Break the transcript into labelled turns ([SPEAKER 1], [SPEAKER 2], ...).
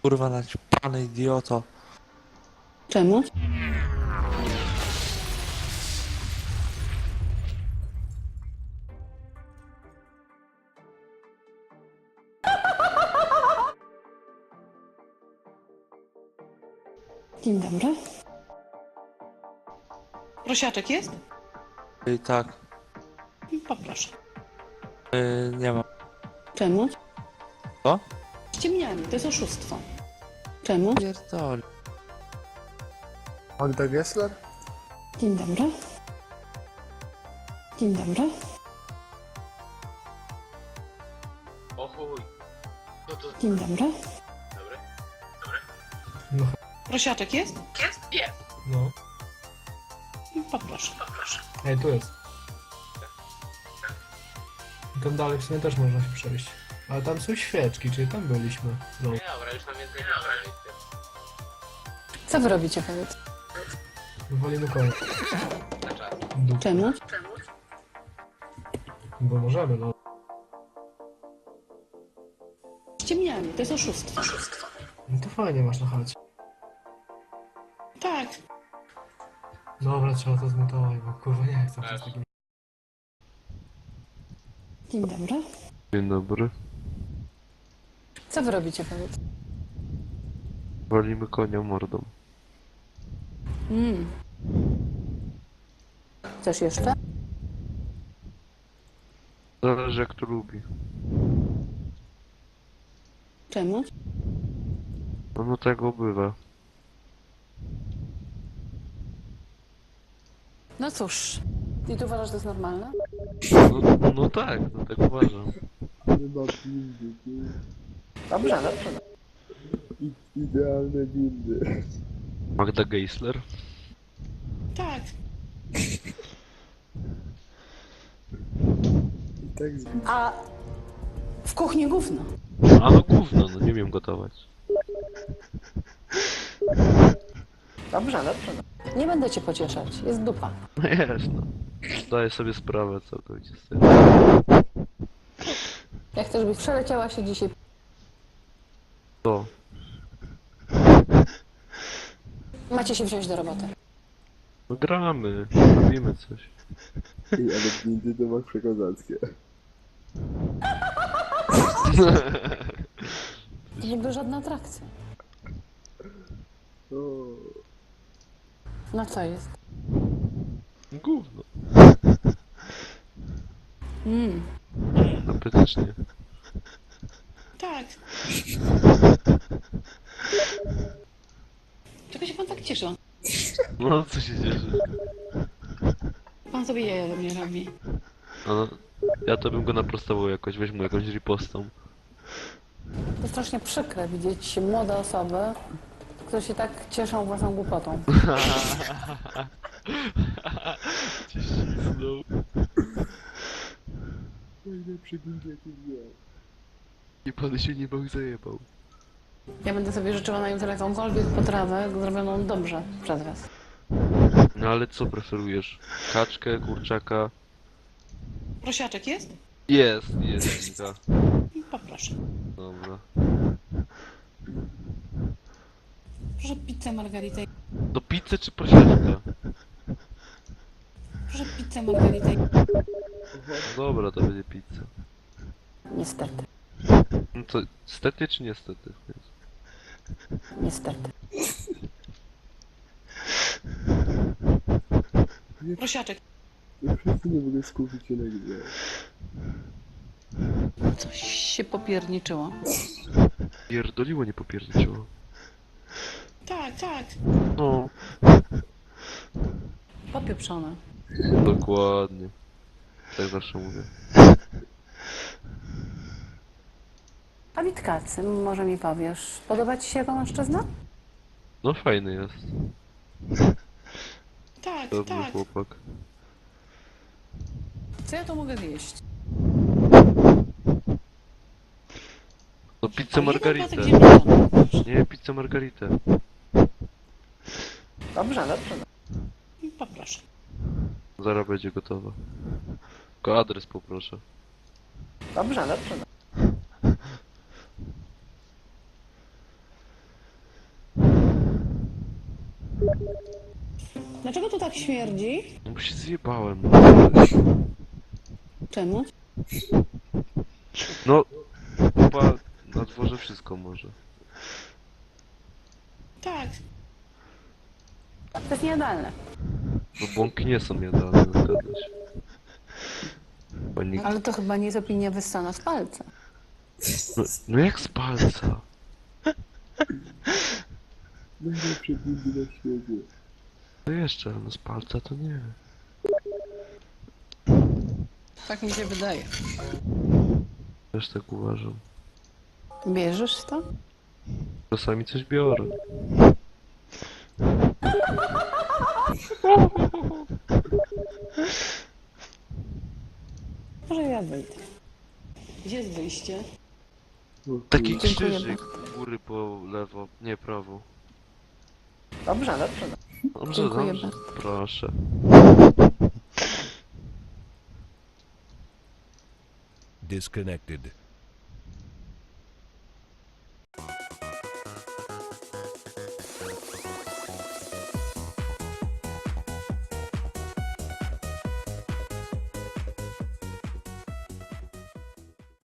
[SPEAKER 1] Kurwa, naćpany idioto.
[SPEAKER 2] Czemu? Dzień dobry. Prosiaczek jest?
[SPEAKER 1] I tak,
[SPEAKER 2] Poproszę.
[SPEAKER 1] nie ma.
[SPEAKER 2] Czemu?
[SPEAKER 1] Co?
[SPEAKER 2] Ściemnianie, to jest oszustwo. Czemu?
[SPEAKER 1] Pierdol.
[SPEAKER 3] Magda Gessler?
[SPEAKER 2] Dzień dobry. Dzień dobry.
[SPEAKER 4] O chuj. No to
[SPEAKER 2] Dzień dobry.
[SPEAKER 4] dobry.
[SPEAKER 3] No.
[SPEAKER 2] Prosiaczek jest?
[SPEAKER 4] Jest.
[SPEAKER 3] No.
[SPEAKER 2] Poproszę.
[SPEAKER 3] Ej, tu jest. Tam dalej w sumie też można się przejść. Ale tam są świeczki, czyli tam byliśmy. No.
[SPEAKER 4] Dobra, już nam jest najlepsze.
[SPEAKER 2] Co wy robicie, powiedz?
[SPEAKER 3] Walimy konia.
[SPEAKER 4] Na czas.
[SPEAKER 3] Dup.
[SPEAKER 2] Czemu?
[SPEAKER 3] Bo możemy, no.
[SPEAKER 2] Ściemnianie, to jest oszustwo.
[SPEAKER 3] No to fajnie masz na chacie.
[SPEAKER 2] Tak.
[SPEAKER 3] Dobra, trzeba to zmutować, bo kurwa nie chcę przez takim...
[SPEAKER 2] Dzień dobry.
[SPEAKER 1] Dzień dobry.
[SPEAKER 2] Co wy robicie, powiedz?
[SPEAKER 1] Walimy konia mordą.
[SPEAKER 2] Coś jeszcze?
[SPEAKER 1] Zależy jak to lubi.
[SPEAKER 2] Czemu?
[SPEAKER 1] No tego bywa.
[SPEAKER 2] No cóż. I ty uważasz, że to jest normalne?
[SPEAKER 1] No tak, no tak uważam.
[SPEAKER 5] Chyba windy,
[SPEAKER 2] Dobrze, dobrze.
[SPEAKER 5] idealne windy.
[SPEAKER 1] Magda Gessler?
[SPEAKER 2] Tak.
[SPEAKER 5] I tak zbić.
[SPEAKER 2] A w kuchni gówno.
[SPEAKER 1] A no gówno, no nie wiem gotować.
[SPEAKER 2] Dobrze, dobrze. Nie będę cię pocieszać. Jest dupa.
[SPEAKER 1] No jest no. Zdaję sobie sprawę całkowicie z tego.
[SPEAKER 2] Ja chcę, żebyś przeleciała się dzisiaj.
[SPEAKER 1] To.
[SPEAKER 2] Macie się wziąć do roboty.
[SPEAKER 1] No gramy, robimy coś.
[SPEAKER 5] Ej, ale windy to masz przekozackie.
[SPEAKER 2] To w ogóle żadna atrakcja.
[SPEAKER 5] O,
[SPEAKER 2] No co jest?
[SPEAKER 1] Gówno.
[SPEAKER 2] Mm.
[SPEAKER 1] Apetycznie.
[SPEAKER 2] Tak. Czego się pan tak cieszy?
[SPEAKER 1] No co się cieszy?
[SPEAKER 2] Pan sobie jaja ze mnie robi.
[SPEAKER 1] No, ja to bym go naprostował jakoś, weź mu jakąś ripostą.
[SPEAKER 2] To strasznie przykre widzieć młode osoby, które się tak cieszą własną głupotą.
[SPEAKER 1] Cię ścisnął.
[SPEAKER 5] najlepszy windy jaki widziałem.
[SPEAKER 1] I pan się nie bał zajebał.
[SPEAKER 2] Ja będę sobie życzyła na jutro jakąkolwiek potrawę zrobioną dobrze przez was.
[SPEAKER 1] No ale co preferujesz? Kaczkę, kurczaka?
[SPEAKER 2] Prosiaczek jest?
[SPEAKER 1] Jest, Nika.
[SPEAKER 2] Poproszę.
[SPEAKER 1] Dobra.
[SPEAKER 2] Proszę pizzę margaritę.
[SPEAKER 1] Do pizzy czy prosiaczka?
[SPEAKER 2] Proszę pizzę margaritę.
[SPEAKER 1] Dobra, to będzie pizza.
[SPEAKER 2] Niestety.
[SPEAKER 1] No to stety czy niestety?
[SPEAKER 2] Niestety. Prosiaczek.
[SPEAKER 5] Ja wszyscy nie mogę skupić się na grze.
[SPEAKER 2] Coś się popierniczyło.
[SPEAKER 1] Pierdoliło, nie popierdziło.
[SPEAKER 2] Tak, tak.
[SPEAKER 1] No,
[SPEAKER 2] Popieprzone.
[SPEAKER 1] dokładnie. Tak zawsze mówię.
[SPEAKER 2] A Witkacy, może mi powiesz, podoba ci się jako mężczyzna?
[SPEAKER 1] No fajny jest.
[SPEAKER 2] Tak,
[SPEAKER 1] Dobry chłopak.
[SPEAKER 2] Co ja to mogę zjeść?
[SPEAKER 1] No pizzę margaritę.
[SPEAKER 2] ziemniaczany.
[SPEAKER 1] Nie, pizzę margaritę.
[SPEAKER 2] Dobrze, dobrze. Poproszę.
[SPEAKER 1] Zaraz będzie gotowa. Tylko adres poproszę.
[SPEAKER 2] Dobrze, dobrze. Dlaczego tu tak śmierdzi?
[SPEAKER 1] No bo się zjebałem.
[SPEAKER 2] Czemu?
[SPEAKER 1] No, chyba na dworze wszystko może.
[SPEAKER 2] Tak. To jest niejadalne.
[SPEAKER 1] No bąki nie są jadalne, zgadza się. Pani...
[SPEAKER 2] Ale to chyba nie jest opinia wyssana z palca.
[SPEAKER 1] No jak z palca?
[SPEAKER 5] Najlepsze bindy na świecie.
[SPEAKER 1] To jeszcze, no z palca to nie.
[SPEAKER 2] Tak mi się wydaje.
[SPEAKER 1] Też tak uważam.
[SPEAKER 2] Bierzesz to?
[SPEAKER 1] Czasami coś biorę.
[SPEAKER 2] Może ja wyjdę. Gdzie jest wyjście?
[SPEAKER 5] O,
[SPEAKER 1] Taki
[SPEAKER 5] kurwa.
[SPEAKER 2] Dziękuję
[SPEAKER 1] krzyżyk góry po lewo, nie prawo.
[SPEAKER 2] Dobrze, dobrze.
[SPEAKER 1] Dobrze,
[SPEAKER 2] Dziękuję
[SPEAKER 1] dobrze.
[SPEAKER 2] bardzo.
[SPEAKER 1] Proszę.
[SPEAKER 6] Disconnected.